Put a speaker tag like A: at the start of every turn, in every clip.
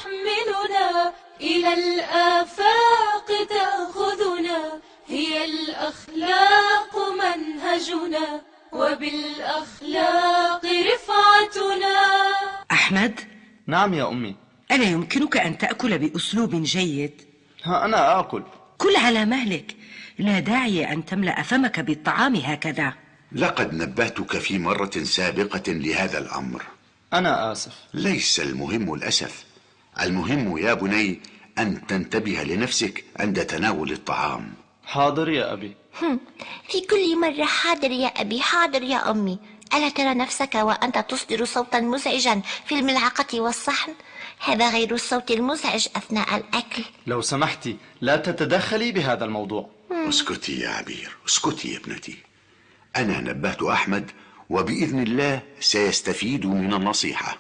A: تحملنا إلى الآفاق تأخذنا، هي الأخلاق منهجنا وبالأخلاق رفعتنا.
B: أحمد.
C: نعم يا أمي.
B: ألا يمكنك أن تأكل بأسلوب جيد؟
C: ها أنا آكل.
B: كل على مهلك، لا داعي أن تملأ فمك بالطعام هكذا.
D: لقد نبهتك في مرة سابقة لهذا الأمر.
C: أنا آسف.
D: ليس المهم الأسف، المهم يا بني أن تنتبه لنفسك عند تناول الطعام.
C: حاضر يا أبي.
E: في كل مرة حاضر يا أبي، حاضر يا أمي. ألا ترى نفسك وأنت تصدر صوتا مزعجا في الملعقة والصحن؟ هذا غير الصوت المزعج أثناء الأكل.
C: لو سمحتي لا تتدخلي بهذا الموضوع.
D: اسكتي يا عبير، اسكتي يا ابنتي. أنا نبهت أحمد وبإذن الله سيستفيد من النصيحة.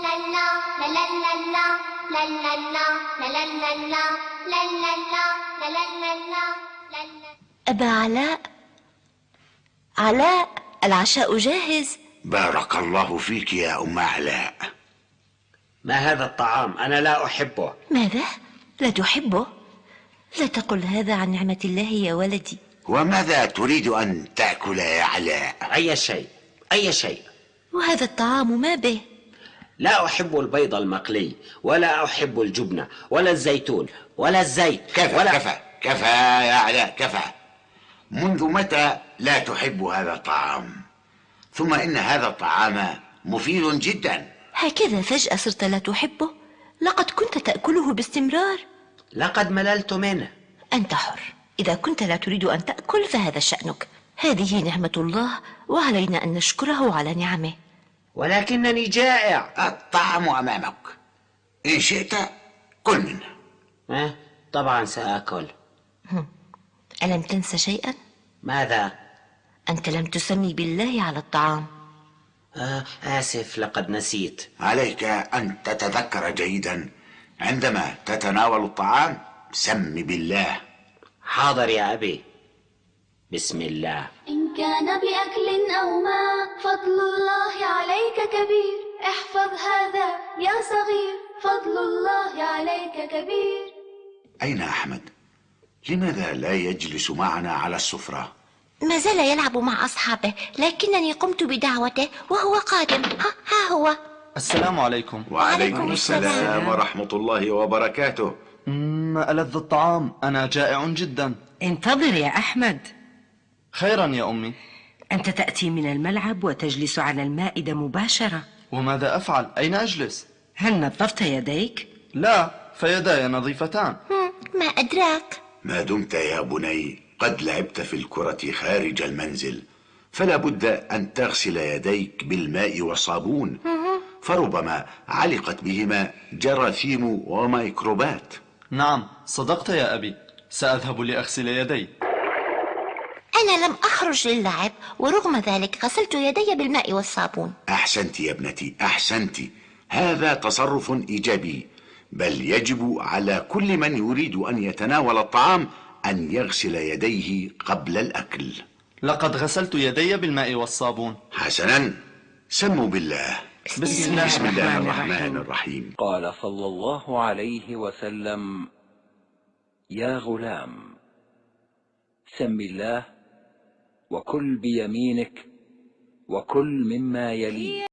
E: أبا علاء، علاء، العشاء جاهز.
D: بارك الله فيك يا أم علاء.
F: ما هذا الطعام؟ أنا لا أحبه.
E: ماذا؟ لا تحبه؟ لا تقل هذا عن نعمة الله يا ولدي.
D: وماذا تريد أن تأكل يا علاء؟
F: أي شيء، أي شيء.
E: وهذا الطعام ما به؟
F: لا أحب البيض المقلي، ولا أحب الجبنة، ولا الزيتون، ولا الزيت.
D: كفى
F: ولا...
D: كفى كفى يا علاء، كفى. منذ متى لا تحب هذا الطعام؟ ثم إن هذا الطعام مفيد جدا.
E: هكذا فجأة صرت لا تحبه؟ لقد كنت تأكله باستمرار.
F: لقد مللت منه.
E: أنت حر، إذا كنت لا تريد أن تأكل فهذا شأنك. هذه نعمة الله وعلينا أن نشكره على نعمه.
F: ولكنني جائع.
D: الطعام أمامك، إن شئت كل منه.
F: طبعا سآكل.
E: ألم تنس شيئا؟
F: ماذا؟
E: أنت لم تسمي بالله على الطعام.
F: آسف، لقد نسيت.
D: عليك أن تتذكر جيدا عندما تتناول الطعام، سم بالله.
F: حاضر يا أبي. بسم الله.
A: إن كان بأكل أو ماء فضل الله عليك كبير، احفظ هذا يا صغير، فضل الله عليك كبير.
D: أين أحمد؟ لماذا لا يجلس معنا على السفرة؟
E: ما زال يلعب مع أصحابه، لكنني قمت بدعوته وهو قادم. ها هو.
C: السلام عليكم.
D: وعليكم السلام ورحمة الله وبركاته.
C: ألذ الطعام، أنا جائع جدا.
B: انتظر يا أحمد.
C: خيرا يا أمي.
B: أنت تأتي من الملعب وتجلس على المائدة مباشرة.
C: وماذا أفعل؟ أين أجلس؟
B: هل نظفت يديك؟
C: لا، فيداي نظيفتان.
E: ما أدراك.
D: ما دمت يا بني قد لعبت في الكرة خارج المنزل، فلا بد أن تغسل يديك بالماء والصابون، فربما علقت بهما جراثيم وميكروبات.
C: نعم صدقت يا أبي، سأذهب لأغسل يدي.
E: أنا لم أخرج للعب، ورغم ذلك غسلت يدي بالماء والصابون.
D: أحسنت يا ابنتي، أحسنت. هذا تصرف إيجابي، بل يجب على كل من يريد أن يتناول الطعام أن يغسل يديه قبل الأكل.
C: لقد غسلت يدي بالماء والصابون.
D: حسنا، سموا بالله.
C: بسم
D: الله الرحمن الرحيم.
G: قال صلى الله عليه وسلم: يا غلام، سم الله وكل بيمينك وكل مما يليك.